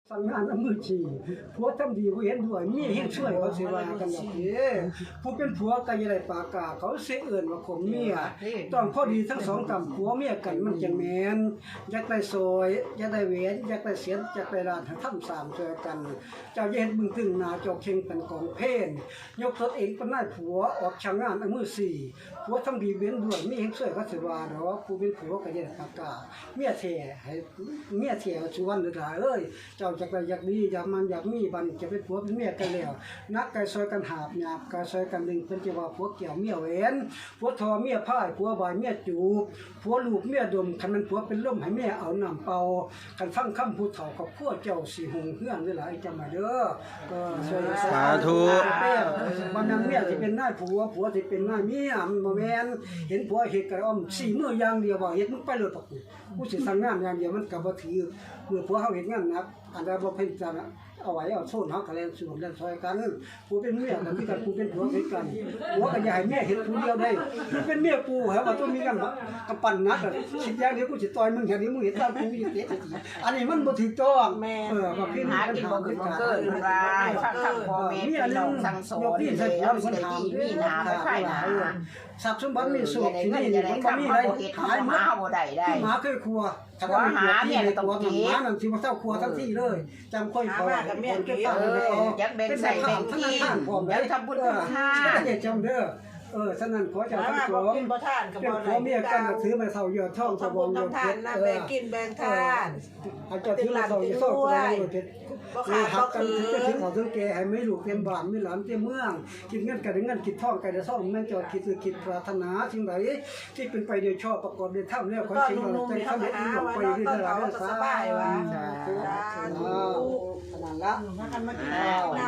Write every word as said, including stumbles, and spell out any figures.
สั่งงานน้ำมือฉี่ผัวทำดีผู้เห็นด้วยมีเห็นช่วยเขาเสียว่ากันแบบนี้ผู้เป็นผัวก็ยังได้ปากกาเขาเสียเอื่นว่าข่มเมียต้องพอดีทั้งสองกำผัวเมียกันมันจังแมนอยากได้ซอยอยากได้เวนอยากได้เสียนอยากได้ร้านทำสามช่วยกันเจ้าเย็นมึงตึงนาเจ้าเข่งเป็นกองเพนยกตนเองเป็นนายผัวออกช่างงานน้ำมือสี่ผัวทำดีเว้นด้วยมีเห็นช่วยเขาเสียว่าเนาะผู้เป็นผัวก็ยังได้ปากกาเมียเทให้เมียเทชวนหรือหลายเอ้ยเจ้าจากอยากดีอยากมันอยากมีบันจะเป็นผัวเป็นเมียกันแล้วนักไก่ซอยกันหาบหยาบไก่ซอยกันดึงเป็นจะว่าผัวเกี่ยวเมียเว้นผัวทอเมียพ่ายผัวบายเมียจูบผัวลูกเมียดมคันมันผัวเป็นล่มให้เมียเอาน้ำเป่ากันฟังคำพูดเถ่ากับพวกเจ้าสีหงเฮือนด้วยหลายจำมาเด้อก็สาธุมันนั่งเมียที่เป็นนายผัวผัวที่เป็นนายเมียมันบ่แม่นเห็นผัวเฮ็ดกระอ้อมสี่มืออย่างเดียวว่าเฮ็ดมึงไปเลยปะกูกูสิสั่งงานอย่างเดียวมันก็บ่ถือเมื่อผัวเฮาเฮ็ดงานหนักอันใดบ่เพิ่นจะเอาไว้เอาโซนเฮาก็แล่นสู่แล่นซอยกันผู้เป็นเมียก็คือกันผู้เป็นผัวคือกันผัวก็อย่าให้เมียเฮ็ดผู้เดียวได้ผู้เป็นเมียกูเหรอว่าต้องมีกันกำปั้นนักคิดอย่างเดียวกูสิต่อยมึงอย่างนี้มึงเฮ็ดตามกูอยู่เตะอันนี้มันบ่ถูกต้องเออว่าพี่หากินบ่ขึ้นบ่เกินว่าฟังคำพ่อแม่พี่น้องสั่งสอนนี่แล้วสิได้ดีมีหน้าไปไผหน้าทรัพย์สมบัติมีสุขที่นี่มันบ่มีอะไรหายหมาบ่ได้ได้หมาเคยครัวถ้าว่าหาเนี่ยต้องกินหมานั่นสิบ่เท่าครัวทั้งที่เลยจำค่อยพอกับแม่เก็บตังค์อยากแบ่งใส่แบ่งที่อยากทำบุญทานอย่าจำเด้อเออฉะนั้นขอเจ้าทั้งสองเป็นผัวเมียกันถือมาเท่าเยอะท่องสบองเยอะเพชรแบ่งกินแบ่งทานอาจจะถือมาเท่าเยอะท่องสบองเยอะเพชรคือหักกันถือจะถือเขาถือแก่ให้ไม่ลูกเต็มบ้านไม่หลานเต็มเมืองคิดเงินกันเงินคิดท่องกันจะซ่องแม่นจอดคิดคือคิดปรารถนาสิ่งใดที่เป็นไปโดยชอบประกอบด้วยธรรมแล้วขอสิ่งใดใจเข้าไปหลงไปด้วยตลอดสบายว่าขนาดละ